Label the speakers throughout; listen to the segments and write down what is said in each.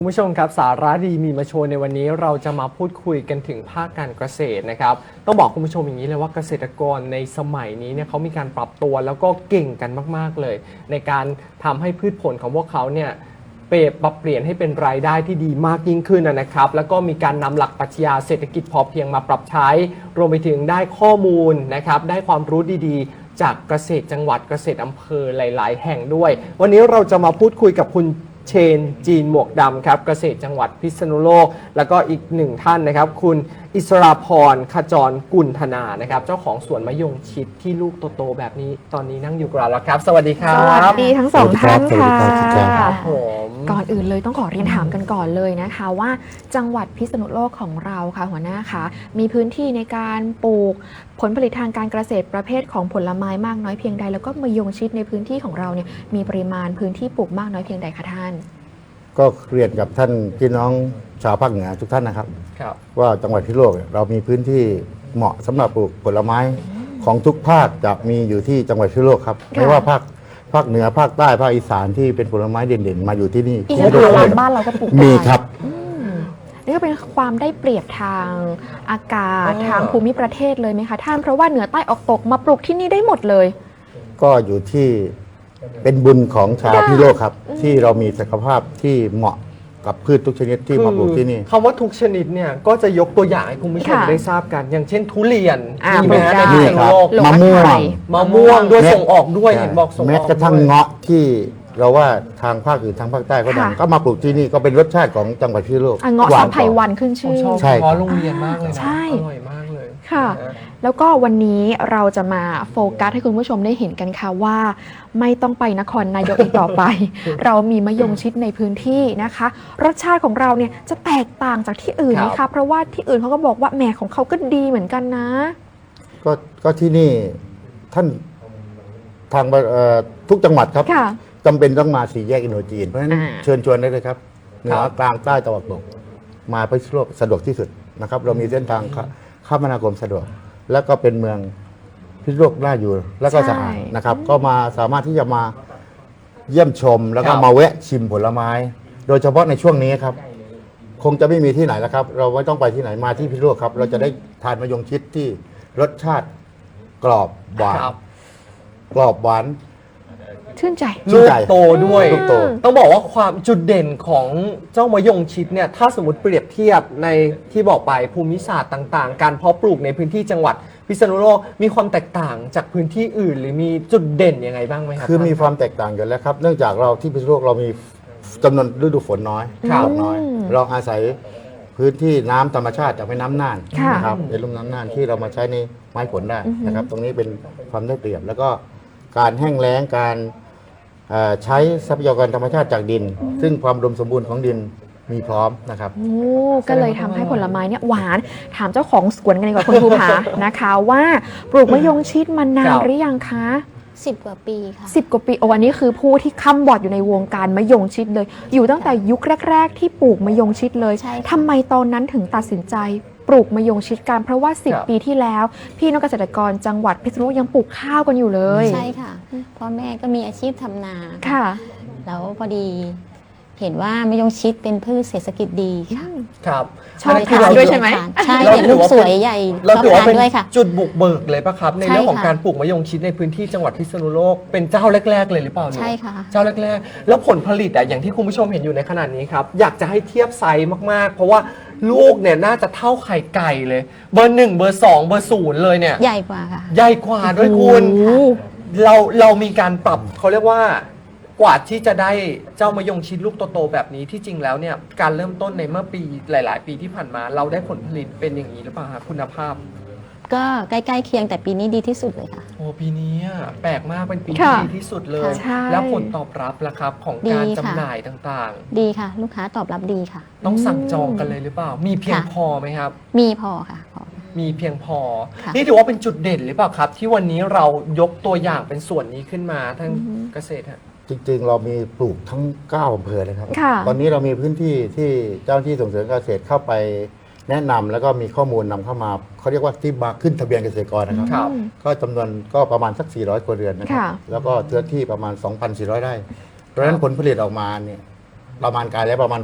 Speaker 1: คุณผู้ชมครับสาระดีมีมาโชว์ในวันนี้เราจะมาพูดคุยกันถึงภาคการเกษตรนะครับต้องบอกคุณผู้ชมอย่างนี้เลยว่าเกษตรกรในสมัยนี้เนี่ยเขามีการปรับตัวแล้วก็เก่งกันมากๆเลยในการทำให้พืชผลของพวกเขาเนี่ยปรับเปลี่ยนให้เป็นรายได้ที่ดีมากยิ่งขึ้นนะครับแล้วก็มีการนำหลักปรัชญาเศรษฐกิจพอเพียงมาปรับใช้รวมไปถึงได้ข้อมูลนะครับได้ความรู้ดีๆจากเกษตรจังหวัดเกษตรอำเภอหลายๆแห่งด้วยวันนี้เราจะมาพูดคุยกับคุณเชนจีนหมวกดำครับเกษตรจังหวัดพิษณุโลกแล้วก็อีกหนึ่งท่านนะครับคุณอิสราพรขจรกุลธนานะครับเจ้าของสวนมะยงชิดที่ลูกโตๆแบบนี้ตอนนี้นั่งอยู่กับเราแล้วครับสวัสดีครับ
Speaker 2: สวัสดีทั้งสองท่านค่ะ
Speaker 1: ครับผม
Speaker 2: ก่อนอื่นเลยต้องขอเรียนถามกันก่อนเลยนะคะว่าจังหวัดพิษณุโลกของเราค่ะหัวหน้าคะมีพื้นที่ในการปลูกผลผลิตทางการเกษตรประเภทของผลไม้มากน้อยเพียงใดแล้วก็มะยงชิดในพื้นที่ของเราเนี่ยมีปริมาณพื้นที่ปลูกมากน้อยเพียงใดคะท่าน
Speaker 3: ก็เรียนกับท่านพี่น้องชาวภาคเหนือทุกท่านนะครับ
Speaker 1: ครับ
Speaker 3: ว่าจังหวัดพิษณุโลกเรามีพื้นที่เหมาะสำหรับปลูกผลไม้ของทุกภาคจะมีอยู่ที่จังหวัดพิษณุโลกครับไม่ว่าภาคเหนือภาคใต้ภาคอีสานที่เป็นผลไม้เด่นๆมาอยู่ที่นี่
Speaker 2: อินทผลัมบ้านเราก็ปลูก
Speaker 3: มี
Speaker 2: ได้
Speaker 3: ครับ
Speaker 2: นี่ก็เป็นความได้เปรียบทางอากาศทางภูมิประเทศเลยไหมคะท่านเพราะว่าเหนือใต้ออกตกมาปลูกที่นี่ได้หมดเลย
Speaker 3: ก็อยู่ที่เป็นบุญของชาวพิษณุโลกครับที่เรามีศักยภาพที่เหมาะกับพืชทุกชนิดที่มาปลูกที่นี่
Speaker 1: คำว่าทุกชนิดเนี่ยก็จะยกตัวอย่างให้คุณผู้ชม
Speaker 2: ค่ะ
Speaker 1: ได้ทราบกัน อย่างเช่นทุเรียน
Speaker 2: ป
Speaker 1: มี
Speaker 2: ลู
Speaker 1: ไหม
Speaker 2: ก
Speaker 1: ฮะ
Speaker 2: ได้
Speaker 1: ในพิษณุโลก
Speaker 2: หลง
Speaker 3: มะม่วง
Speaker 2: ไข่
Speaker 1: มะม่วงด้วย
Speaker 3: แม้
Speaker 1: ส่งออกด้วยเห็นบอกส่งออก
Speaker 3: แม้กระทั่ง
Speaker 1: ด้วย
Speaker 3: เงาะที่เราว่าทางภาคอื่นทางภาคใต้ก็ดัง
Speaker 2: ค่ะ
Speaker 3: ก็มาปลูกที่นี่ก็เป็นรสชาติของจังหวัดพิษณุโลก
Speaker 2: อ่ะเงาะ
Speaker 3: หว
Speaker 2: สาน มไพ
Speaker 3: กว่า
Speaker 2: วันขึ้นชื่อ
Speaker 1: ชอบ
Speaker 3: ใช่ครับ
Speaker 1: เพราะโรงเรียนมากเลยนะ
Speaker 2: ใช่
Speaker 1: อร่อยมากเลย
Speaker 2: ค่ะ
Speaker 1: น
Speaker 2: แล้วก็วันนี้เราจะมาโฟกัสให้คุณผู้ชมได้เห็นกันค่ะว่า ไม่ต้องไปนครนายกอีกต่อไป เรามีมะยงชิดในพื้นที่นะคะ รสชาติของเราเนี่ยจะแตกต่างจากที่อื่นไหม
Speaker 1: ครั
Speaker 2: คะ
Speaker 1: บ
Speaker 2: เพราะว่าที่อื่นเขาก็บอกว่าแหมของเขาก็ดีเหมือนกันนะ
Speaker 3: ก็ที่นี่ท่านทางทุกจังหวัดครับ
Speaker 2: ค่ะ
Speaker 3: จำเป็นต้องมาสี่แยกอินโดจีนเพราะฉะนั้น
Speaker 2: อ่า
Speaker 3: เชิญชวนได้เลยครับเหนือกลางใต้ตะวันตกมาพิษณุโลกสะดวกที่สุดนะครับ เรามีเส้นทางคมนาคมสะดวก แล้วก็เป็นเมืองพิษณุโลกน่าอยู่แล้วก็สะอาดนะครับ ก็มาสามารถที่จะมาเยี่ยมชม แล้วก็มาแวะชิมผลไม้ โดยเฉพาะในช่วงนี้ครับ คงจะไม่มีที่ไหนแล้วครับ เราไม่ต้องไปที่ไหนมาที่พิษณุโลกครับ เราจะได้ทานมะยงชิดที่รสชาติกรอบหวาน
Speaker 1: ครับ
Speaker 3: กรอบหวาน
Speaker 2: ชื่นใจ
Speaker 3: ชื่
Speaker 1: ลู
Speaker 3: น
Speaker 1: ก
Speaker 3: ใจ
Speaker 1: โตด้วย
Speaker 3: ลูกโต
Speaker 1: ต้องบอกว่าความจุดเด่นของเจ้ามะยงชิดเนี่ยถ้าสมมติเปรียบเทียบในที่บอกไปภูมิศาสตร์ต่างๆ การเพาะปลูกในพื้นที่จังหวัดพิษณุโลกมีความแตกต่างจากพื้นที่อื่น หรือมีจุดเด่นยังไงบ้างไหมครับ
Speaker 3: คือมีความแตกต่างกันแล้วครับ เนื่องจากเราที่พิษณุโลกเรามีจำนวนฤดูฝนน้อย
Speaker 1: ครับ
Speaker 3: ตกน้อย เราอาศัยพื้นที่น้ำธรรมชาติจากแม่น้ำน่าน
Speaker 2: ค่ะ
Speaker 3: นะครับในลุ่มน้ำน่านที่เรามาใช้ในไม้ผลได้นะครับ ตรงนี้เป็นความได้เปรียบ แล้วก็การแห้งแล้งการใช้ทรัพยากรธรรมชาติจากดิน ซึ่งความอุดมสมบูรณ์ของดินมีพร้อมนะครับ
Speaker 2: โอ้ก็เลยทำให้ผลไม้เนี่ยหวาน ถามเจ้าของสวนกันดีกว่าคุณภูผา นะคะว่าปลูกมะยงชิดมานานหรือยังคะ
Speaker 4: 10 กว่าปีค่ะ
Speaker 2: 10 กว่าปีโอ้อันนี้คือผู้ที่ค้ำบอดอยู่ในวงการมะยงชิดเลย อยู่ตั้งแต่ยุคแรก ๆ ที่ปลูกมะยงชิดเลย
Speaker 4: ใช่ค่ะ
Speaker 2: ทำไมตอนนั้นถึงตัดสินใจปลูกมะยงชิดกันเพราะว่า
Speaker 1: ครับ
Speaker 2: 10 ปีที่แล้ว พี่น้องเกษตรกรจังหวัดพิษณุโลกยังปลูกข้าวกันอยู่เลย
Speaker 4: ใช่ค่ะพ่อแม่ก็มีอาชีพทำนา
Speaker 2: ค่ะ
Speaker 4: แล้วพอดีเห็นว่ามะยงชิดเป็นพืชเศรษฐกิจดีค่ะ
Speaker 1: ครับ
Speaker 2: ชอบ
Speaker 1: นนั้นคื
Speaker 2: ทาน
Speaker 1: เร
Speaker 2: ด้วยใช่ไหม
Speaker 4: ใช่
Speaker 1: เรา
Speaker 4: เห็น
Speaker 1: ถื
Speaker 4: ลู
Speaker 1: อก ว่า
Speaker 4: สวยใหญ่
Speaker 1: เรา
Speaker 4: ชอบ
Speaker 1: ถือว่า
Speaker 4: ทาน
Speaker 1: เป็น
Speaker 4: ด้วยค่ะ
Speaker 1: จุดบุกเบิกเลยปะครับ ใน
Speaker 4: ใช่
Speaker 1: เรื่องของ
Speaker 4: ค่ะ
Speaker 1: การปลูกมะยงชิดในพื้นที่จังหวัดพิษณุโลกเป็นเจ้าแรก ๆ เลยหรือเปล่าเนี่ย
Speaker 4: ใช่ค่ะ
Speaker 1: เจ้าแรกๆ แล้วผลผลิตอะอย่างที่คุณผู้ชมเห็นอยู่ในขนาดนี้ครับ อยากจะให้เทียบไซส์มากๆ เพราะว่าลูกเนี่ยน่าจะเท่าไข่ไก่เลย เบอร์ 1 เบอร์ 2 เบอร์ 0 เลยเนี่ย
Speaker 4: ใหญ่กว่าค่ะ
Speaker 1: ใหญ่กว่าด้วยคุณ
Speaker 2: โอ้โห
Speaker 1: เรามีการปรับเขาเรียกว่ากว่าที่จะได้เจ้ามะยงชิดลูกโตๆแบบนี้ที่จริงแล้วเนี่ยการเริ่มต้นในเมื่อปีหลาย ๆ ปีที่ผ่านมา เราได้ผลผลิตเป็นอย่างนี้หรือเปล่าครับคุณภาพ
Speaker 4: ก็ใกล้ๆเคียงแต่ปีนี้ดีที่สุดเลยค่ะ
Speaker 1: โอ้ปีนี้อะแปลกมากเป็นปี
Speaker 2: ค่ะ
Speaker 1: ที่ดีที่สุดเลย
Speaker 2: ใช่
Speaker 1: แล้วผลตอบรับล่ะครับของการ
Speaker 4: ดี
Speaker 1: จำ
Speaker 4: ค่ะ
Speaker 1: หน่ายต่าง
Speaker 4: ดีค่ะ ลูกค้าตอบรับดีค่ะ
Speaker 1: ๆ ต้องสั่งจองกันเลยหรือเปล่า มีเพียง
Speaker 4: ค่ะ
Speaker 1: พอไหมครับ
Speaker 4: มีพอค่ะพอ
Speaker 1: มีเพียงพอ
Speaker 4: ค่ะ
Speaker 1: นี่ถือว่าเป็นจุดเด่นหรือเปล่าครับ ที่วันนี้เรายกตัวอย่างเป็นส่วนนี้ขึ้นมาทั้งเกษตรฮะ
Speaker 3: จริงๆ เรามีปลูกทั้ง9อำเภอเลยครับ
Speaker 2: ค่ะ
Speaker 3: ตอนนี้เรามีพื้นที่ที่เจ้าหน้าที่ส่งเสริมการเกษตรเข้าไปแนะนำแล้วก็มีข้อมูลนำเข้ามาเขาเรียกว่าที่มาขึ้นทะเบียนเกษตรกรนะครับ
Speaker 1: ครับ
Speaker 3: ก็จำนวนก็ประมาณสัก 400 ครัวเรือนนะครับ
Speaker 2: ค่ะ
Speaker 3: แล้วก็เนื้อที่ประมาณ 2,400 ไร่ เพราะฉะนั้นผลผลิตออกมาเนี่ยประมาณการแล้วประมาณ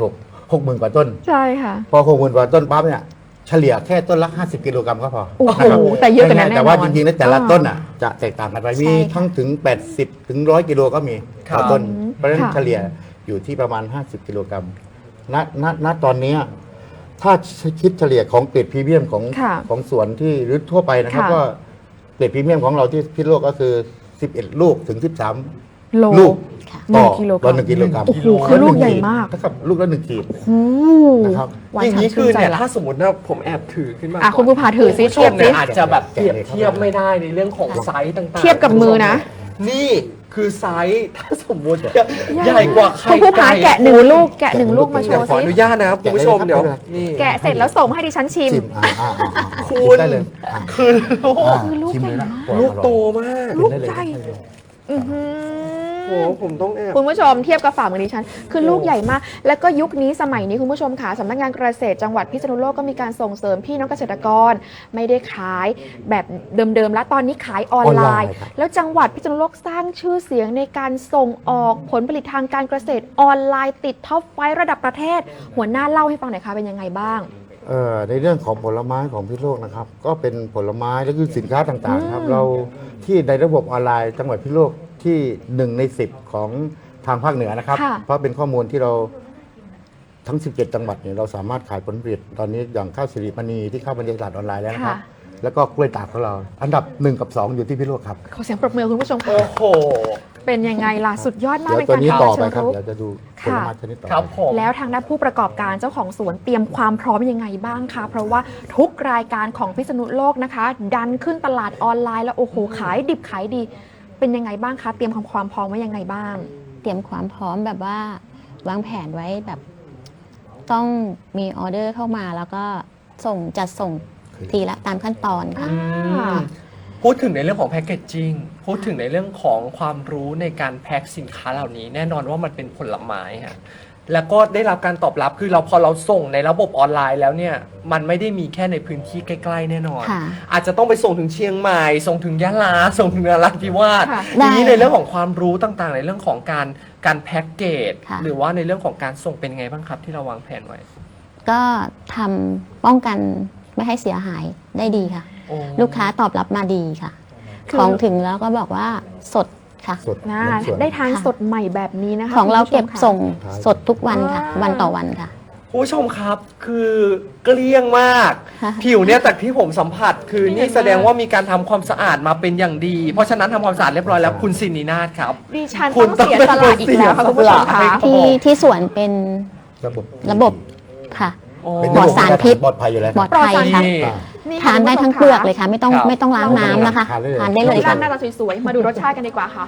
Speaker 3: 60,000 กว่าต้น
Speaker 2: ใช่ค่ะ
Speaker 3: พอ60,000 กว่าต้นปั๊บเนี่ยเฉลี่ยแค่ต้นละ50 กิโลกรัมก็พอ
Speaker 2: โอ้โห
Speaker 3: นะครับ
Speaker 2: แต่เยอะกว่านั้นแน่นอน
Speaker 3: แต่ว่าจริงๆแล้วแต่ละต้นอ่ะจะแตกต่างกันไปมี
Speaker 4: ใช่ค่ะ
Speaker 3: ทั้งถึง 80 ถึง 100 กิโลก็มีต่อต้น เพราะฉะนั้น
Speaker 2: ค่ะ
Speaker 3: เฉลี่ยอยู่ที่ประมาณ 50 กิโลกรัมณตอนเนี้ยถ้าคิดเฉลี่ยของเกรดพรีเมียมของ
Speaker 2: ค่ะ
Speaker 3: ของสวนที่หรือทั่วไปนะครับ
Speaker 2: ค่ะ
Speaker 3: ก็เกรดพรีเมียมของเราที่พิษณุโลกก็คือ 11 ลูกถึง 13
Speaker 2: โล
Speaker 3: ลูก
Speaker 4: ค่ะ
Speaker 2: หนึ่
Speaker 3: ต่
Speaker 2: ง
Speaker 3: อ
Speaker 2: กิโลกรัม
Speaker 3: ต่อ1 กิโลกรัม
Speaker 2: โอ้โหคือลูกใหญ่มาก
Speaker 3: นะครับลูกละ1 ขีด
Speaker 2: โอ้
Speaker 3: นะครับ
Speaker 2: หวาน
Speaker 1: อย่าง
Speaker 2: ฉ่ำ
Speaker 1: นี้คื
Speaker 2: ชื่
Speaker 1: อน
Speaker 2: ใจ
Speaker 1: เนี่ย
Speaker 2: ละ
Speaker 1: ถ้าสมมติว่าผมแอบถือขึ้นมา
Speaker 2: อ่ะ
Speaker 1: ก่อน
Speaker 2: คุณภูผาถือซิ
Speaker 1: คุณผู้ช
Speaker 2: เทียบ
Speaker 1: ม
Speaker 2: ซิ
Speaker 1: เนี่ยอาจจะแบบเปรียบเทียบไม่ได้ในเรื่องของไซส์ต่างๆ
Speaker 2: เทียบกับมือนะ
Speaker 1: นี่คือไซส์ถ้าสมมติใหญ่กว่าไข่
Speaker 2: คุณภูผา
Speaker 1: ไก่
Speaker 2: แกะหนึ่งลูกแกะหนึ่งลูกมาโช
Speaker 1: เดี๋ยว
Speaker 2: ว์
Speaker 1: ขอ
Speaker 2: ซิ
Speaker 1: อนุญาตนะครับคุณผู้ชมเดี๋ยวนี่
Speaker 2: แกะเสร็จแล้วส่งให้ดิฉันชิม
Speaker 3: ชิม
Speaker 1: คุณ
Speaker 3: ชิมได้เลยอ่ะ
Speaker 1: คือลูก
Speaker 3: อ่ะ
Speaker 2: ลูก
Speaker 3: ชิมเลยนะ
Speaker 1: ลูกโตมาก
Speaker 3: กินได้เลย
Speaker 2: ลูกใหญ่ อื้อหือ
Speaker 1: โอ้โหผมต้องแอบ
Speaker 2: คุณผู้ชมเทียบกับฝ่ามือดิฉัน คือลูกใหญ่มาก แล้วก็ยุคนี้สมัยนี้คุณผู้ชมค่ะสำนักงานเกษตรจังหวัดพิษณุโลกก็มีการส่งเสริมพี่น้องเกษตรกร ไม่ได้ขายแบบเดิมๆแล้วตอนนี้ขายออนไลน์
Speaker 3: ครับ
Speaker 2: แล้วจังหวัดพิษณุโลกสร้างชื่อเสียงในการส่งออกผลผลิตทางการเกษตรออนไลน์ติดท็อปไฟว์ระดับประเทศ หัวหน้าเล่าให้ฟังหน่อยค่ะเป็นยังไงบ้าง
Speaker 3: ในเรื่องของผลไม้ของพิษณุโลกนะครับ ก็เป็นผลไม้และคือสินค้าต่างๆครับ เราที่ในระบบออนไลน์จังหวัดพิษณุโลกที่1 ใน 10 ของทางภาคเหนือนะครับ
Speaker 2: ค่ะ
Speaker 3: เพราะเป็นข้อมูลที่เราทั้ง 17 จังหวัดเนี่ยเราสามารถขายผลผลิตตอนนี้อย่างข้าวสิริมณีที่เข้าบรรยากาศออนไลน์แล้วนะครับ
Speaker 2: ค่ะ
Speaker 3: แล้วก็กล้วยตากของเรา อันดับ 1 กับ 2 อยู่ที่พิษณุโลกครับ
Speaker 2: ขอเสียงปรบมือคุณผู้ชมค่ะ
Speaker 1: โอ้โห
Speaker 2: เป็นยังไงล่ะสุดยอดมาก
Speaker 3: เดี๋ยว
Speaker 2: ใน
Speaker 3: ตัว
Speaker 2: การ
Speaker 3: นี้
Speaker 2: ทำ
Speaker 3: ต่อ
Speaker 2: เชิ
Speaker 3: ไป
Speaker 2: ง
Speaker 3: ครับ
Speaker 2: รุก
Speaker 3: เดี๋ยวจะดูผ
Speaker 2: ค่ะ
Speaker 3: ลไม้ชนิดต่อ
Speaker 1: ครับ
Speaker 3: ไป
Speaker 1: ผม
Speaker 2: แล้วทางด้านผู้ประกอบการเจ้าของสวนเตรียมความพร้อมยังไงบ้างคะเพราะว่าทุกรายการของพิษณุโลกนะคะ ดันขึ้นตลาดออนไลน์แล้วโอ้โหขายดิบขายดี เป็นยังไงบ้างคะเตรียมความพร้อมไว้ยังไงบ้าง
Speaker 4: เตรียมความพร้อมแบบว่าวางแผนไว้แบบต้องมีออเดอร์เข้ามาแล้วก็จัดส่งทีละตามขั้นตอนค่ะ
Speaker 2: ค่ะ
Speaker 1: พูดถึงในเรื่องของแพคเกจจิ้งพูดถึงในเรื่องของความรู้ในการแพ็คสินค้าเหล่านี้ แน่นอนว่ามันเป็นผลไม้ฮะแล้วก็ได้รับการตอบรับคือพอเราส่งในระบบออนไลน์แล้วเนี่ยมันไม่ได้มีแค่ในพื้นที่ใกล้ๆแน่นอน
Speaker 4: ค่ะ
Speaker 1: อาจจะต้องไปส่งถึงเชียงใหม่ ส่งถึงยะลาส่งถึงนราธิวาส
Speaker 2: ค่ะ
Speaker 1: ทีนี้
Speaker 4: ได้
Speaker 1: ในเรื่องของความรู้ต่างๆ ในเรื่องของการแพ็กเกจ
Speaker 4: ค่ะ
Speaker 1: หรือว่าในเรื่องของการส่งเป็นไงบ้างครับที่เราวางแผนไว้
Speaker 4: ก็ทำป้องกันไม่ให้เสียหายได้ดีค่ะ
Speaker 1: โอ้
Speaker 4: ลูกค้าตอบรับมาดีค่ะ
Speaker 2: คือ
Speaker 4: ของถึงแล้วก็บอกว่าสดค่ะ
Speaker 3: สด
Speaker 2: นะ
Speaker 3: น้ำสวน
Speaker 2: ได้ทาน
Speaker 4: ค่ะ
Speaker 2: สดใหม่แบบนี้นะคะ
Speaker 4: ของเรา
Speaker 2: คุณผู้ช
Speaker 4: เก็บ
Speaker 2: มค่ะ
Speaker 4: ส่งสดทุกวันค่ะ วันต่อวันค่ะ
Speaker 1: คุณผู้ชมครับคือเกลี้ยงมาก
Speaker 4: ค่ะ
Speaker 1: ผิวเนี่ยจากที่ผมสัมผัส คือ
Speaker 2: นี่
Speaker 1: นี่
Speaker 2: เห็นไหม
Speaker 1: แสดงว่ามีการทำความสะอาดมาเป็นอย่างดี เพราะฉะนั้นทำความสะอาดเรียบร้อยแล้วคุณสินีนาถครับ
Speaker 2: ดิฉัน
Speaker 1: คุ
Speaker 2: ต้
Speaker 1: ณ
Speaker 2: องเสียสละอีกแล้วค่ะ
Speaker 1: ต้
Speaker 2: คุ
Speaker 1: อง
Speaker 2: ณผู้ชม
Speaker 1: เสียสละ
Speaker 2: ค่ะ
Speaker 1: ให้
Speaker 4: ที่สวนเป็น
Speaker 3: ระบบ
Speaker 4: ค่ะ
Speaker 1: โอ้
Speaker 3: เป็น
Speaker 4: ปลอดสารพิษ
Speaker 3: ปลอดภัยอยู่แล้ว
Speaker 4: ปลอดภัยค่ะ
Speaker 1: นี่
Speaker 2: นี่
Speaker 4: ทานได้ทั้งเปลือกเลยค่ะ ไม่ต้อง
Speaker 1: ครับ
Speaker 4: ไม่ต้องล้างน้ำนะคะ
Speaker 3: ทานได้เลย
Speaker 4: ทานได้เลย
Speaker 2: ด้า
Speaker 4: ค่ะ
Speaker 2: นหน้าตาสวยๆมาดูรสชาติกันดีกว่าค่ะ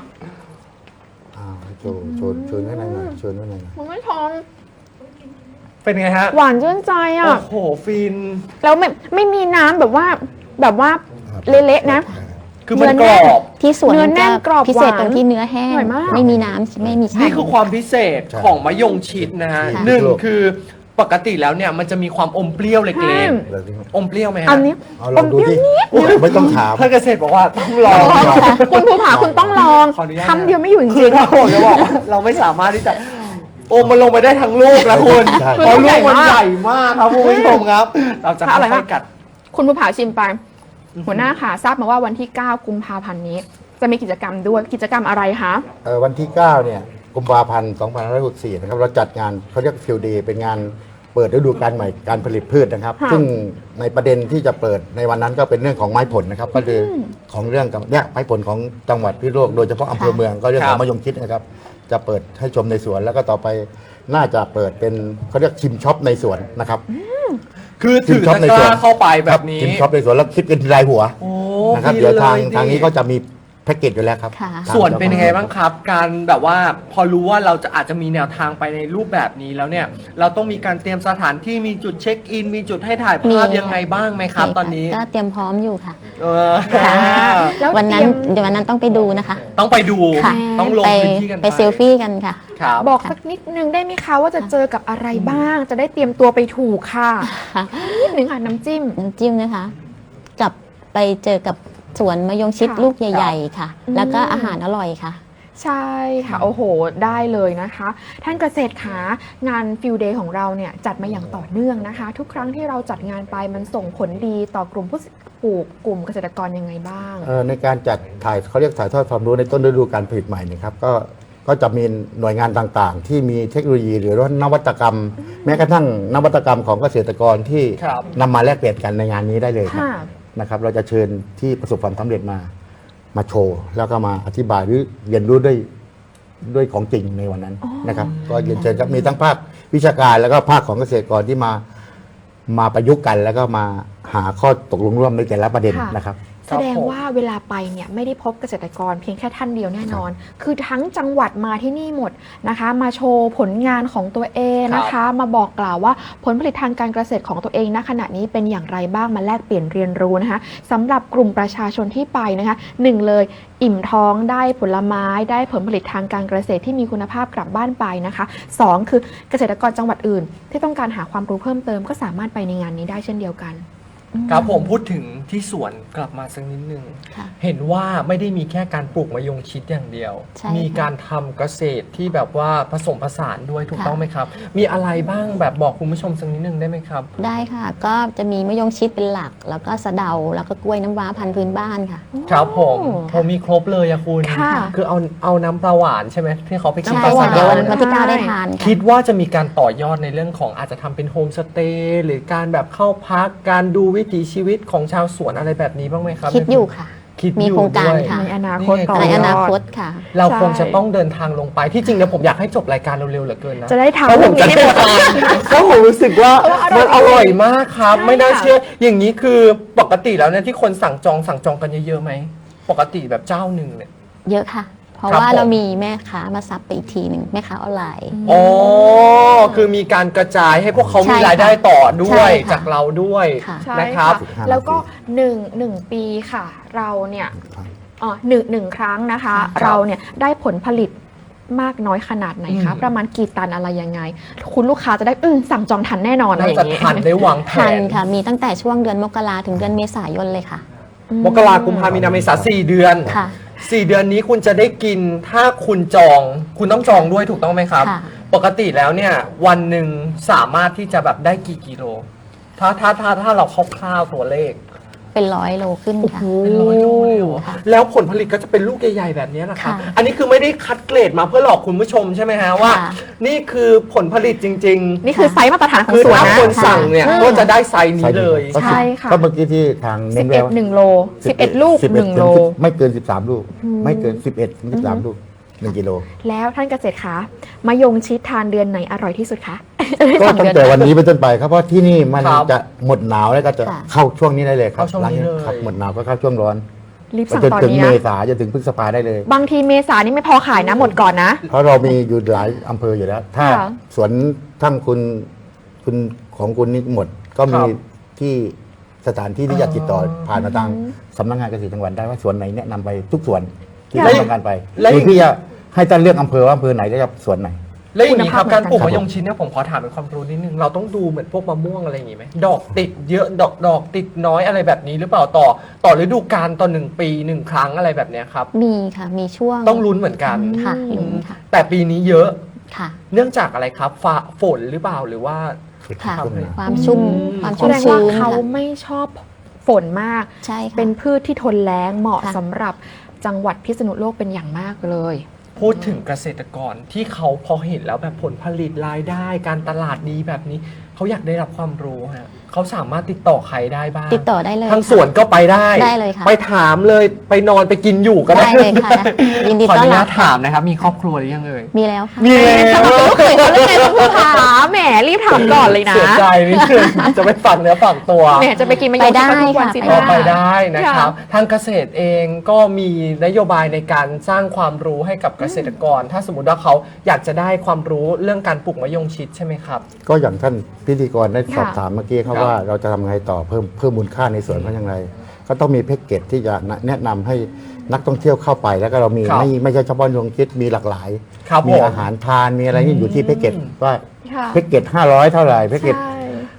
Speaker 3: โชว์ข้างในหน่อยโชว์ข้างในหน่อย
Speaker 2: คุณผู้ชม
Speaker 1: เป็นไงฮะ
Speaker 2: หวานชื่นใจอ่ะ
Speaker 1: โอ้โหฟิน
Speaker 2: แล้วไม่มีน้ำแบบว่าเละๆนะ
Speaker 1: คือมันกรอบ
Speaker 4: ที่สวน
Speaker 2: เนื้อแน่นกรอบ
Speaker 4: พิเศษ
Speaker 2: หวาน
Speaker 4: ตรงที่เนื้อแห้ง
Speaker 2: อร่อยมาก
Speaker 4: ไม่มีน้ำไม่มีชา
Speaker 1: นี่คือความพิเศษ
Speaker 3: ใช่
Speaker 1: ของมะยงชิดนะฮะ
Speaker 4: ค่ะ
Speaker 1: หนึ่งคือปกติแล้วเนี่ยมันจะมีความอมเปรี้ยวเล็กๆ อมเปรี้ยวไหมฮะ
Speaker 2: อันนี้
Speaker 3: เอาลองดูดิไม่ต้องถาม
Speaker 1: ถ้าเกษตรบอกว่าต้องลอง
Speaker 2: คุณภูผาคุณต้องลอง
Speaker 1: ขออนุญาตนะ
Speaker 2: คำเดียวไม่อยู่จ
Speaker 1: คื
Speaker 2: ริ
Speaker 1: อง ถ้าผมจะบอกว่าเราไม่สามารถที่จะโอมมันลงไปได้ทั้งลูกแล้วคุณ
Speaker 3: ใช่
Speaker 1: เพราะลูกมันใหญ่มากครับคุณผู้ชมครับ เราจะ
Speaker 2: ค่ะอร่อย
Speaker 1: ค่
Speaker 2: มา
Speaker 1: อก ยๆกัด
Speaker 2: ๆคุณภูผาชิมไป หัวหน้าค่ะทราบมาว่าวันที่ 9 กุมภาพันธ์นี้ จะมีกิจกรรมด้วยกิจกรรมอะไรคะ
Speaker 3: วันที่ 9 เนี่ยกุมภาพันธ์2564 นะครับ เราจัดงานเขาเรียกฟิลเดย์เป็นงานเปิดฤดูกาลใหม่การผลิตพืชนะครับ
Speaker 2: ค่ะ
Speaker 3: ซึ่งในประเด็นที่จะเปิดในวันนั้นก็เป็นเรื่องของไม้ผลนะครับ ก็คือของเรื่องกับเนี่ยไม้ผลของจังหวัดพิษณุโลกโดยเฉพาะอำเภอเมืองก็เรื่องของมะยงชิดนะครับ จะเปิดให้ชมในสวน แล้วก็ต่อไปน่าจะเปิดเป็นเขาเรียกชิมช็อปในสวนนะครับ
Speaker 1: คือถือตะกร้าเข้าไปแบบนี้
Speaker 3: ชิมช็อปในสวนแล้วคิดเป็นรายหัว
Speaker 1: โอ้
Speaker 3: นะครับ
Speaker 1: ฟิ
Speaker 3: เดี๋ยวทาง
Speaker 1: ล
Speaker 3: ทางนี้ก็จะมีแพ็กเกจอยู่แล้วครับ
Speaker 4: ค่ะ
Speaker 3: ทาง
Speaker 1: ส่วนเป็นยังไงบ้างครับ การแบบว่าพอรู้ว่าเราจะอาจจะมีแนวทางไปในรูปแบบนี้แล้วเนี่ย เราต้องมีการเตรียมสถานที่มีจุดเช็คอิน มีจุดให้ถ่ายภาพ
Speaker 4: มี
Speaker 1: ยังไงบ้างไหมครับ ตอนนี้
Speaker 4: ก็เตรียมพร้อมอยู่ค่ะ
Speaker 1: เออ
Speaker 2: แล้ว
Speaker 4: วันนั้น
Speaker 2: เตรียม
Speaker 4: เดี๋ยววันนั้นต้องไปดูนะคะ
Speaker 1: ต้องไปดู
Speaker 4: ค่ะ
Speaker 1: ต้องลง
Speaker 4: ไป
Speaker 1: พื้นที่กัน
Speaker 4: ไปเซลฟี่กันค่ะ
Speaker 1: ครับ
Speaker 2: บอกสักนิดนึงได้ไหมคะว่าจะเจอกับอะไรบ้าง จะได้เตรียมตัวไปถูกค่ะ
Speaker 4: ค่ะ
Speaker 2: นิดนึงค่ะน้ำจิ้ม
Speaker 4: น้ำจิ้มนะคะกับไปเจอกับสวนมะยงชิด
Speaker 2: ค่ะ
Speaker 4: ลูกใหญ่ ๆ ค่ะ
Speaker 2: อืม
Speaker 4: แล้วก็อาหารอร่อยค่ะ
Speaker 2: ใช่ค่ะ โอ้โห ได้เลยนะคะ ท่านเกษตรขางานฟิลเดย์ของเราเนี่ยจัดมาอย่างต่อเนื่องนะคะ ทุกครั้งที่เราจัดงานไปมันส่งผลดีต่อกลุ่มผู้ปลูกกลุ่มเกษตรกรยังไงบ้าง
Speaker 3: ในการจัดถ่ายเขาเรียกถ่ายทอดความรู้ในต้นฤดูการผลิตใหม่นี่ครับก็จะมีหน่วยงานต่างๆ ที่มีเทคโนโลยีหรือว่านวัตกรรม แม้กระทั่งนวัตกรรมของเกษตรกรที่
Speaker 1: ครับ
Speaker 3: นำมาแลกเปลี่ยนกันในงานนี้ได้เลยครับ
Speaker 2: ค่ะ
Speaker 3: นะครับเราจะเชิญที่ประสบความสำเร็จมาโชว์ แล้วก็มาอธิบายหรือเรียนรู้ด้วยของจริงในวันนั้นนะครับก็เรียนเชิญครับมีทั้งภาควิชาการแล้วก็ภาคของเกษตรกรที่มาประยุกต์กัน แล้วก็มาหาข้อตกลงร่วมในแต่ละประเด็น
Speaker 2: ค่ะ
Speaker 3: นะครับ
Speaker 2: แสดงว่าเวลาไปเนี่ยไม่ได้พบเกษตรกรเพียงแค่ท่านเดียวแน่นอน คือทั้งจังหวัดมาที่นี่หมดนะคะ มาโชว์ผลงานของตัวเองนะคะ มาบอกกล่าวว่าผลผลิตทางการเกษตรของตัวเองณขณะนี้เป็นอย่างไรบ้างมาแลกเปลี่ยนเรียนรู้นะคะสำหรับกลุ่มประชาชนที่ไปนะคะหนึ่งเลยอิ่มท้องได้ผลไม้ได้ผลผลิตทางการเกษตรที่มีคุณภาพกลับบ้านไปนะคะสองคือเกษตรกรจังหวัดอื่น ที่ต้องการหาความรู้เพิ่มเติมก็สามารถไปในงานนี้ได้เช่นเดียวกัน
Speaker 1: ครับผมพูดถึงที่สวนกลับมาสักนิดนึง
Speaker 4: ค่ะ
Speaker 1: เห็นว่าไม่ได้มีแค่การปลูกมะยงชิดอย่างเดียว
Speaker 4: ใช่
Speaker 1: มี
Speaker 4: ค่ะ
Speaker 1: การทำเกษตรที่แบบว่าผสมผสานด้วยถูก
Speaker 4: ค่ะ
Speaker 1: ต้องไหมครับ มีอะไรบ้างแบบบอกคุณผู้ชมสักนิดนึงได้ไหมครับ
Speaker 4: ได้ค่ะ ก็จะมีมะยงชิดเป็นหลัก แล้วก็สะเดา แล้วก็กล้วยน้ำว้าพันธุ์พื้นบ้านค่ะ
Speaker 1: ครับผม
Speaker 2: โอ้
Speaker 1: ผมมีครบเลยอะคุณ
Speaker 2: ค่ะ
Speaker 1: คือเอาน้ำปลาหวานใช่ไหมที่เขาไปกิน
Speaker 4: ใช่
Speaker 1: ปลา
Speaker 4: ค่ะ
Speaker 1: สะเดา
Speaker 4: วันที่ 9 ได้ทานค่ะ
Speaker 1: คิดว่าจะมีการต่อยอดในเรื่องของอาจจะทำเป็นโฮมสเตย์หรือการแบบเข้าพักการดูวิถีชีวิตของชาวสวนอะไรแบบนี้บ้างไหมครับ
Speaker 4: คิดอยู่ค่ะ
Speaker 1: คิด
Speaker 4: มี
Speaker 1: อยู่
Speaker 4: โครงการ
Speaker 1: ด้วย
Speaker 4: ค่ะ
Speaker 2: ในอนาคต
Speaker 1: นี่ไง
Speaker 2: ต่อ
Speaker 4: ใน
Speaker 2: ย
Speaker 4: อ
Speaker 2: อ
Speaker 4: นา
Speaker 2: ด
Speaker 4: คตค่ะ
Speaker 1: เรา
Speaker 2: ใช่
Speaker 1: คงจะต้องเดินทางลงไปที่จริงเนี่ยผมอยากให้จบรายการเร็วๆเหลือเกินนะ
Speaker 2: จะได้ทำ
Speaker 1: เพราะผมจะ
Speaker 2: เรื่อง
Speaker 1: ได้
Speaker 2: นี้ให้หมด
Speaker 1: ทานเพราะผมรู้สึกว่ามันอร่อยมากครับ
Speaker 2: ใช่
Speaker 1: ไม่น่า
Speaker 2: ค่ะ
Speaker 1: เชื่ออย่างนี้คือปกติแล้วเนี่ยที่คนสั่งจองกันเยอะๆไหมปกติแบบเจ้าหนึ่งเนี่ย
Speaker 4: เยอะค่ะ เพราะ
Speaker 1: ครับ
Speaker 4: ว่า
Speaker 1: ผม
Speaker 4: เรามีแม่ค้ามาซับไปอีกทีหนึ่งแม่ค้าออนไลน์
Speaker 1: อ๋อคือมีการกระจายให้พวกเขา
Speaker 4: ใช่
Speaker 1: มี
Speaker 4: ค่ะ
Speaker 1: รายได้ต่อด้
Speaker 4: ใช่
Speaker 1: วย
Speaker 4: ค่ะ
Speaker 1: จากเราด้วย
Speaker 4: ค่ะ
Speaker 2: ใช่
Speaker 1: นะครับ
Speaker 2: ค่ะแล้วก็หนึ่งปีค่ะ เราเนี่ยหนึ่งครั้งนะคะ
Speaker 1: ครับ
Speaker 2: เราเนี่ยได้ผลผลิตมากน้อยขนาดไหนคะ
Speaker 1: อืม
Speaker 2: ประมาณกี่ตันอะไรยังไง คุณลูกค้าจะได้สั่งจองทันแน่นอนอะไร
Speaker 1: น่า
Speaker 2: อย่า
Speaker 1: จะ
Speaker 2: งนี้
Speaker 1: ทันได้วางแผ
Speaker 4: ทัน
Speaker 1: น
Speaker 4: ค่ะ มีตั้งแต่ช่วงเดือนมกราถึงเดือนเมษายนเลยค่ะ
Speaker 1: มกราคมกุมภามีนาเมษา4 เดือน
Speaker 4: ค่ะ
Speaker 1: 4 เดือนนี้คุณจะได้กินถ้าคุณจอง คุณต้องจองด้วยถูกต้องไหมครับ
Speaker 4: ค่ะ
Speaker 1: ปกติแล้วเนี่ยวันหนึ่งสามารถที่จะแบบได้กี่กิโล ถ้าเราคร่าวๆตัวเลข
Speaker 4: เป็น100 โลขึ้นค่ะ
Speaker 1: เป็นร้อยโลเลยเหรอ
Speaker 4: ค่ะ
Speaker 1: แล้วผลผลิตก็จะเป็นลูกใหญ่ๆแบบนี้นะครับ
Speaker 4: ค่ะ
Speaker 1: อันนี้คือไม่ได้คัดเกรดมาเพื่อหลอกคุณผู้ชมใช่ไหมฮะว่า
Speaker 4: ค่ะ
Speaker 1: นี่คือผลผลิตจริง
Speaker 2: นี่คือไซส์มาตรฐานข
Speaker 1: ๆ
Speaker 2: อง
Speaker 1: คือ
Speaker 2: สวน
Speaker 1: ถ้า
Speaker 2: นะ
Speaker 1: คนสั่งเนี่ย
Speaker 2: อืม
Speaker 1: ก็จะได้ไซส์นี้เลย
Speaker 3: ก็
Speaker 2: ใช่ค่ะ
Speaker 3: ก็เมื่อกี้ที่ทางเน้นไว้ว่า
Speaker 2: 11 1 โล 11 ลูก
Speaker 3: 11
Speaker 2: 1 โล
Speaker 3: ไม่เกิน 13 ลูก ไม่เกิน 11ถึง13 ลูก 1 กิโล
Speaker 2: แล้วท่านเกษตรคะมะยงชิดทานเดือนไหนอร่อยที่สุดคะ
Speaker 3: ก็ตั้งแต่วันนี้เป็นต้นไปครับเพราะที่นี่มัน
Speaker 1: ครับ
Speaker 3: จะหมดหนาวแล้วก็จะ
Speaker 4: ค่ะ
Speaker 3: เข้าช่วงนี้ได้เลยครับ
Speaker 1: เข้าช่วงนี้เลย
Speaker 3: ครับหมดหนาวก็เข้าช่วงร้อน
Speaker 2: รีบ
Speaker 3: ไป
Speaker 2: สั่ง
Speaker 3: จน
Speaker 2: ตอน
Speaker 3: ถึง
Speaker 2: นี้
Speaker 3: เม
Speaker 2: นะ
Speaker 3: ษาจนถึงพฤษภาได้เลย
Speaker 2: บางทีเมษานี่ไม่พอขายนะหมดก่อนนะ
Speaker 3: เพราะเรามีอยู่หลายอำเภออยู่แล้ว ถ้า
Speaker 2: ค่ะ
Speaker 3: สวนทั้งคุณของคุณนี่หมด ก็มี
Speaker 1: ครับ
Speaker 3: ที่สถานที่ที่จะติดต่อผ่านมาทางสำนักงานเกษตรจังหวัดได้ว่าสวนไหนแนะนำไปทุกสวนที่
Speaker 2: ค่ะ
Speaker 3: ท่านต้องการไป
Speaker 1: แล้ว
Speaker 3: หรือพี่จะให้ท่านเลือกอำเภอว่าอำเภอไหนจะสวนไหน
Speaker 1: แล้วอย่างนี้ครับ
Speaker 2: คุณภาพ
Speaker 1: การปลูก
Speaker 2: เหมือนกัน
Speaker 1: มะยงชิดเนี่ยผมขอถามเป็นความรู้นิดนึงเราต้องดูเหมือนพวกมะม่วงอะไรอย่างงี้ไหมดอกติดเยอะดอกติดน้อยอะไรแบบนี้หรือเปล่าต่อฤดูกาลต่อ1 ปี 1 ครั้งอะไรแบบเนี้ยครับ
Speaker 4: มีค่ะ มีช่วง
Speaker 1: ต้องลุ้นเหมือนกัน
Speaker 4: ค่ะลุ้นค่ะ
Speaker 1: แต่ปีนี้เยอะ
Speaker 4: ค่ะ
Speaker 1: เนื่องจากอะไรครับฟ้าฝนหรือเปล่าหรือว่า
Speaker 4: ค่ะ
Speaker 1: ทำให้
Speaker 4: ความชุ่ม ความ
Speaker 2: แส
Speaker 4: ชุ่ม
Speaker 2: ดงว่า
Speaker 4: ชื้น
Speaker 2: เขา
Speaker 4: ค่ะ
Speaker 2: ไม่ชอบฝนมาก
Speaker 4: ใช่ค่ะ
Speaker 2: เป็นพืชที่ทนแล้งเหมาะ
Speaker 4: ค่ะ
Speaker 2: สำหรับจังหวัดพิษณุโลกเป็นอย่างมากเลย
Speaker 1: พูดถึงเกษตรกรที่เขาพอเห็นแล้วแบบผลผลิตรายได้ การตลาดดีแบบนี้เขาอยากได้รับความรู้ฮะเขาสามารถติดต่อใครได้บ้าง
Speaker 4: ติดต่อได้เลย
Speaker 1: ทาง
Speaker 4: ค่ะ
Speaker 1: สวนก็ไปได้
Speaker 4: ได้เลยค่ะ
Speaker 1: ไปถามเลยไปนอนไปกินอยู่ก็ได้
Speaker 4: ได้เลยค่ะยินดี
Speaker 1: ขอ
Speaker 4: ต้
Speaker 1: อ
Speaker 4: อน
Speaker 1: นุ
Speaker 4: รั
Speaker 1: ญา
Speaker 4: บ
Speaker 1: ตถามนะครับ มีครอบครัวหรือยังเอ่ย
Speaker 4: มีแล้วค่ะ
Speaker 1: มีแล้ว
Speaker 2: ลูกเขยเขาเรื่องไงคุณผู้ชมแหมรีบถามก่อนเลยนะ
Speaker 1: เสียใจนิดนึงจะไปฝังเนื้อฝังตัว
Speaker 2: แหมจะไปกินมะยงชิดกันทุกวันสิ
Speaker 4: ไป
Speaker 1: ต่อ
Speaker 4: ด้
Speaker 1: ไปได้นะครับ
Speaker 2: ค่ะ
Speaker 1: ทางเกษตรเองก็มีนโยบายในการสร้างความรู้ให้กับเกษตรกร ถ้าสมมติว่าเขาอยากจะได้ความรู้เรื่องการปลูกมะยงชิดใช่ไหมครับ
Speaker 3: ก็อย่างท่านพิธีกรได้สอบ
Speaker 2: ค่ะ
Speaker 3: ถามเมื่อกี้เขา
Speaker 1: ครับ
Speaker 3: ว่าเราจะทำไงต่อเพิ่มมูลค่าในสวนเขาอย่างไร ก็ต้องมีแพ็กเกจที่จะแนะนำให้นักท่องเที่ยวเข้าไป แล้วก็เรามี
Speaker 1: ครับ
Speaker 3: ไม่ใช่เฉพาะยงคิดมีหลากหลาย
Speaker 1: ครับ
Speaker 3: มี
Speaker 1: ผม
Speaker 3: อาหารทานมีอะไรนี่อยู่ที่แพ็กเกจว่า
Speaker 2: ค่ะ
Speaker 3: แพ็กเกจ500 เท่าไหร่แพ็กเกจ
Speaker 2: ใช่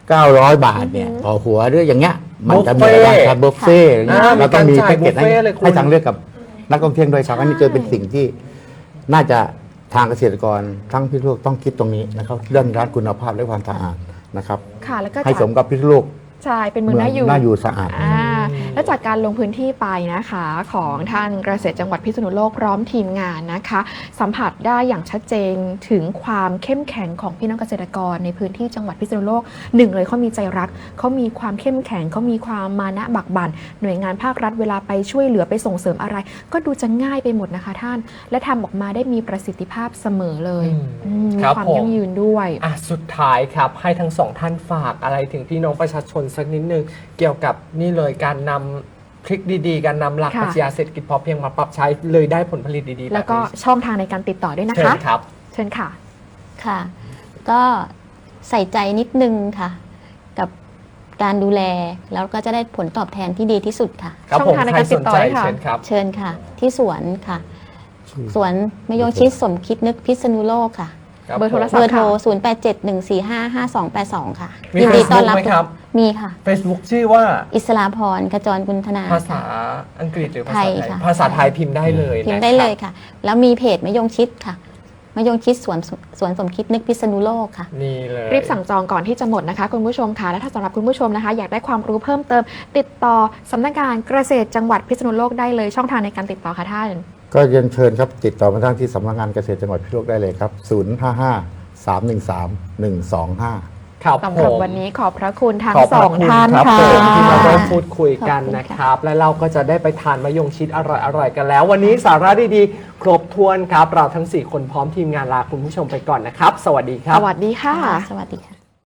Speaker 3: 900 บาทเนี่ยต่อหัวหรืออย่างเงี้ยมันจะมีอะไรบ้างครับบุฟเฟ่ต์อย่างเงี้ย
Speaker 1: อ่า
Speaker 3: เราต้องมี
Speaker 1: มีการจ่าย
Speaker 3: แพ็กเกจ
Speaker 1: บุฟเฟ่ต์เลยคุณ
Speaker 3: ให้ทางเลือกกับนักท่องเที่ยวด้วยครับอันนี้จะเป็นสิ่งที่น่าจะทางเกษตรกรทั้งพิษณุโลกต้องคิดตรงนี้นะครับเรื่องด้านคุณภาพและความสะอาดนะครับ
Speaker 2: ค่ะแล้วก็
Speaker 3: ให้
Speaker 2: จาก
Speaker 3: สมกับพิษณุโลก
Speaker 2: ใช่เป็นเมืองน่าอยู่
Speaker 3: น่าอยู่สะอาด
Speaker 2: และจากการลงพื้นที่ไปนะคะของท่านเกษตรจังหวัดพิษณุโลกพร้อมทีมงานนะคะ สัมผัสได้อย่างชัดเจนถึงความเข้มแข็งของพี่น้องเกษตรกรในพื้นที่จังหวัดพิษณุโลกหนึ่งเลยเขามีใจรักเขามีความเข้มแข็งเขามีความมานะบักบั่นหน่วยงานภาครัฐเวลาไปช่วยเหลือไปส่งเสริมอะไร ก็ดูจะง่ายไปหมดนะคะท่าน และทำออกมาได้มีประสิทธิภาพเสมอเลยมี
Speaker 1: ครับ
Speaker 2: ความ
Speaker 1: ผม
Speaker 2: ยั่งยืนด้วย
Speaker 1: สุดท้ายครับให้ทั้งสองท่านฝากอะไรถึงพี่น้องประชาชนสักนิดนึงเกี่ยวกับนี่เลยการนำทริคดีๆ การนำหลัก
Speaker 2: ค่ะ
Speaker 1: ปรัชญาเศรษฐกิจพอเพียงมาปรับใช้เลยได้ผลผลิตดีๆ
Speaker 2: แล้วก็
Speaker 1: บบนี้
Speaker 2: ช่องทางในการติดต่อด้วยนะ
Speaker 1: เชิ
Speaker 2: คะ
Speaker 1: ญครับ
Speaker 2: เชิญค่ะ
Speaker 4: ค่ะ ก็ใส่ใจนิดนึงค่ะ กับการดูแลแล้วก็จะได้ผลตอบแทนที่ดีที่สุดค่ะ
Speaker 1: ครับ
Speaker 2: ช่อง
Speaker 1: ผม
Speaker 2: ทางใน
Speaker 1: ใคร
Speaker 2: การติ
Speaker 1: ส
Speaker 2: ด
Speaker 1: น
Speaker 2: ต่อ
Speaker 1: ใจ
Speaker 2: ค่ะ
Speaker 1: เชิญครับ
Speaker 4: เชิญค่ะ ที่สวนค่ะ สวนมะยงชิดสมคิดนึกพิษณุโลกค่ะ
Speaker 1: ครับ
Speaker 2: เบอร์โทรศัพท์
Speaker 4: เบอร์โทร
Speaker 2: ค่ะ
Speaker 4: 0871455282 ค่ะ
Speaker 1: มี
Speaker 4: ยินดีต้อน
Speaker 1: Facebook
Speaker 4: รับ
Speaker 1: ไหมครับ
Speaker 4: มีค่ะ
Speaker 1: Facebook ชื่อว่า
Speaker 4: อิสราพรขจรกุลธนา
Speaker 1: ภาษา
Speaker 4: ค่ะ
Speaker 1: อังกฤษหรือภา
Speaker 4: ไท
Speaker 1: ษาย ไทย
Speaker 4: ค่ะ
Speaker 1: ภาษาไทยพิมพ์ได้เลย
Speaker 4: พิมพ์
Speaker 1: นะ
Speaker 4: ได้
Speaker 1: ครับ
Speaker 4: เลยค่ะ แล้วมีเพจมะยงชิดค่ะมะยงชิดสวนสมคิดนึกพิษณุโลกค่ะ
Speaker 1: นี่เลย
Speaker 2: รีบสั่งจองก่อนที่จะหมดนะคะคุณผู้ชมค่ะและถ้าสำหรับคุณผู้ชมนะคะ อยากได้ความรู้เพิ่มเติม ติดต่อสำนักงานเกษตรจังหวัดพิษณุโลกได้เลยช่องทางในการติดต่อค่ะท่าน
Speaker 3: ก็เรียนเชิญครับติดต่อมาทางที่สำนักงานเกษตรจังหวัดพิษณุโลกได้เลยครับ 055-313-125
Speaker 1: ครับ
Speaker 2: สำ
Speaker 1: ผ
Speaker 2: หรับ
Speaker 1: ม
Speaker 2: วันนี้ขอบพระคุณทั้ง
Speaker 1: ขอบพ
Speaker 2: ส
Speaker 1: ระ
Speaker 2: อง
Speaker 1: คุณ
Speaker 2: ท่าน
Speaker 1: ครับ
Speaker 2: ค่ะ
Speaker 1: ผมที่มาร่วมพูดคุยกัน
Speaker 4: ขอบคุณ
Speaker 1: นะ
Speaker 4: ค่ะ
Speaker 1: ครับ และเราก็จะได้ไปทานมะยงชิดอร่อยๆกันแล้ว วันนี้สาระดีๆ ครบถ้วนครับ เราทั้ง 4 คนพร้อมทีมงานลาคุณผู้ชมไปก่อนนะครับ สวัสดีครั
Speaker 2: ส
Speaker 1: บ
Speaker 2: วัสดีค่ะ
Speaker 4: สวัสดีค่ะ